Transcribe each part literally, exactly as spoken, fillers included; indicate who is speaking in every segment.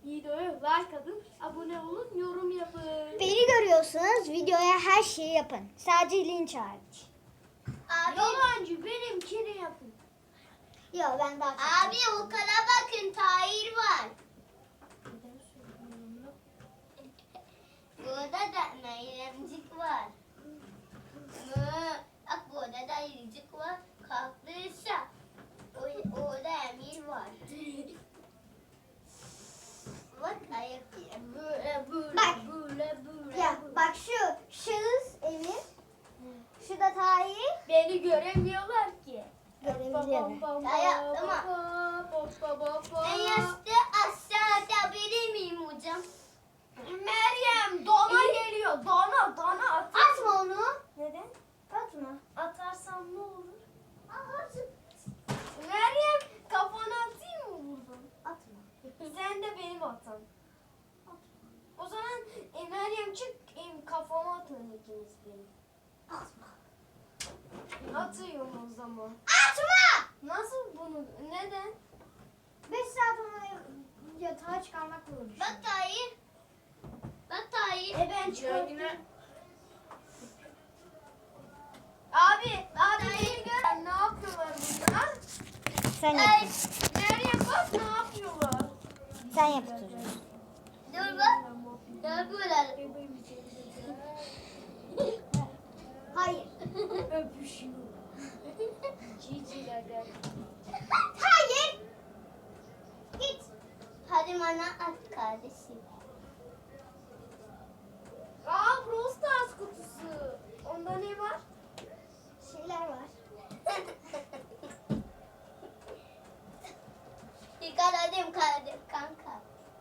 Speaker 1: videoya like atın, abone olun, yorum yapın.
Speaker 2: Beni görüyorsunuz, videoya her şeyi yapın. Sadece linç hariç.
Speaker 1: Abi, yalancı, benimkini yapın.
Speaker 2: Yok ben daha çok.
Speaker 3: Abi o kala bakın, Tahir var.
Speaker 1: Neden söylüyorum?
Speaker 3: Burada da Meryemcik var. Mı? Bak burada da Ayıcık var. Kalktıysa o- orada Emir var. Bak ayak böyle böyle
Speaker 2: Bak.
Speaker 3: böyle böyle.
Speaker 2: Ya bak şu şahıs Emir. Şu da Tahir.
Speaker 1: Beni göremiyorlar ki.
Speaker 2: Görebiliyorum.
Speaker 3: Ya yaptım En yaşlı aşağıda bilir miyim hocam?
Speaker 1: Meryem, dona geliyor. Dona, dona at.
Speaker 2: Atma onu.
Speaker 1: Neden?
Speaker 2: Atma.
Speaker 1: Atarsam ne olur? Meryem, kafana atayım mı buradan?
Speaker 2: Atma.
Speaker 1: Sen de benim atan. O zaman e, Meryem çık, e, kafama atın ikiniz benim.
Speaker 2: Atma.
Speaker 1: Atıyorum o zaman.
Speaker 2: Atma!
Speaker 1: Nasıl bunu? Neden?
Speaker 2: Beş saat onu yatağa çıkarmakla uğraşıyorum.
Speaker 3: Bak Tahir. Bak Tahir.
Speaker 1: E ben çıkarttım. Abi, abi beni gör. Ne yapıyorlar bunlar?
Speaker 2: Sen
Speaker 3: Ay,
Speaker 2: yap.
Speaker 1: Meryem bak ne yapıyorlar.
Speaker 2: Sen yaptırıyorsun.
Speaker 3: dur bak. Ne yapıyorlar?
Speaker 2: Hayır.
Speaker 1: Öpüşüyor. Cicilerden.
Speaker 2: Hayır. Git.
Speaker 3: Hadi bana at kardeşim.
Speaker 1: Aa, Brawl Stars kutusu. Onda ne var?
Speaker 2: Şeyler var.
Speaker 3: Yakaladım kardeşim kanka.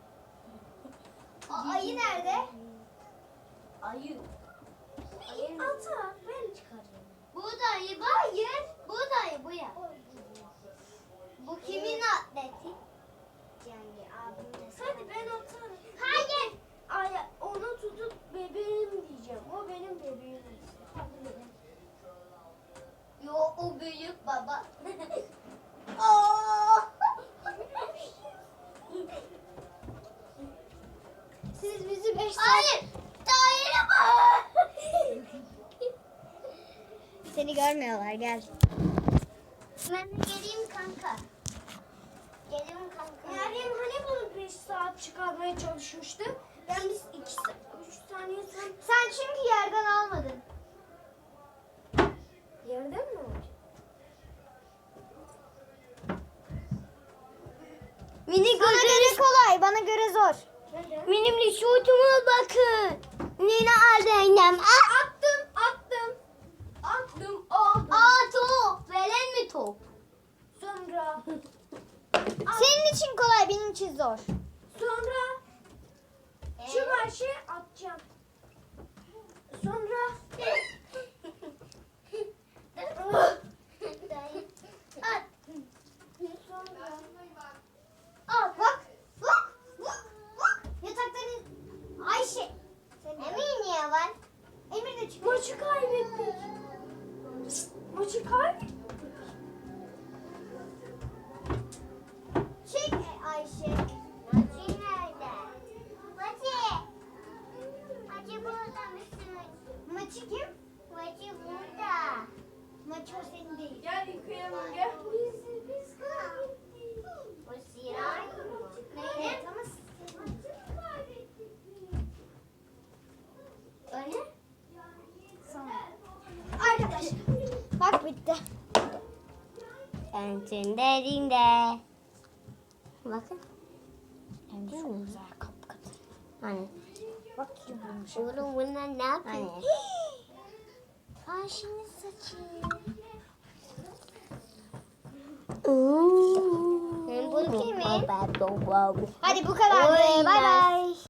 Speaker 2: O ayı nerede?
Speaker 1: Ayı. Ayı ata. Ben çıkarıyorum.
Speaker 3: Bu dayı bak. Hayır. Bu dayı bu ya. Bu kimin atleti?
Speaker 2: Yani abimle.
Speaker 1: Hadi ben atarım.
Speaker 3: Hayır.
Speaker 1: Ay, onu tutup bebeğim diyeceğim. O benim bebeğim.
Speaker 3: Yo o büyük baba. Oo.
Speaker 2: Siz bizi beş saat...
Speaker 3: Hayır. Tahir'e bak.
Speaker 2: Seni görmüyorlar, gel.
Speaker 3: Ben de geleyim kanka. Geleyim kanka.
Speaker 1: Meryem hani bunu beş saat çıkarmaya çalışmıştı. Ben biz iki saat, üç saniye sen
Speaker 2: Sen çünkü yerden almadın.
Speaker 1: yerden mi olacak?
Speaker 3: Mini
Speaker 2: Bana göre kolay, bana göre zor.
Speaker 1: Neden?
Speaker 3: Benim şutuma bakın. Nina Aldeynem. Ah!
Speaker 1: Attım, attım. Attım, aldım.
Speaker 3: Aa top. Veren mi top?
Speaker 1: Sonra,
Speaker 2: Senin için kolay, benim için zor.
Speaker 1: sonra şu başı atacağım. Sonra
Speaker 3: At.
Speaker 1: sonra
Speaker 2: Al bak. Bak. Bak. Bak. Yatakların... Ayşe. Senin de-
Speaker 3: Emir niye var?
Speaker 2: Emir de çıkıyor.
Speaker 1: maçı kaybettik. Maçı kaybettik.
Speaker 2: Çek e, Ayşe.
Speaker 3: Maçı nerede? Maçı. Maçı burada mısın?
Speaker 2: Maçı kim?
Speaker 3: Maçı burada.
Speaker 2: Maçı o senin değil.
Speaker 1: Gel yıkayalım gel. Biz, biz kaybettik.
Speaker 3: Bu siyah mı?
Speaker 2: Evet ama senin.
Speaker 3: O ne?
Speaker 2: Sonra. Arkadaşlar. Bak bitti.
Speaker 3: Sensin derinde. Bakın.
Speaker 2: Hem de çok güzel kapkatı.
Speaker 3: Hani?
Speaker 2: Bak yumuşak.
Speaker 3: Oğlum bunlar ne yapıyor?
Speaker 2: Hani?
Speaker 3: Ayşe'nin saçı. Hem bu kimin?
Speaker 2: Hadi bu kadardı.
Speaker 3: Oy,
Speaker 2: Bay bay.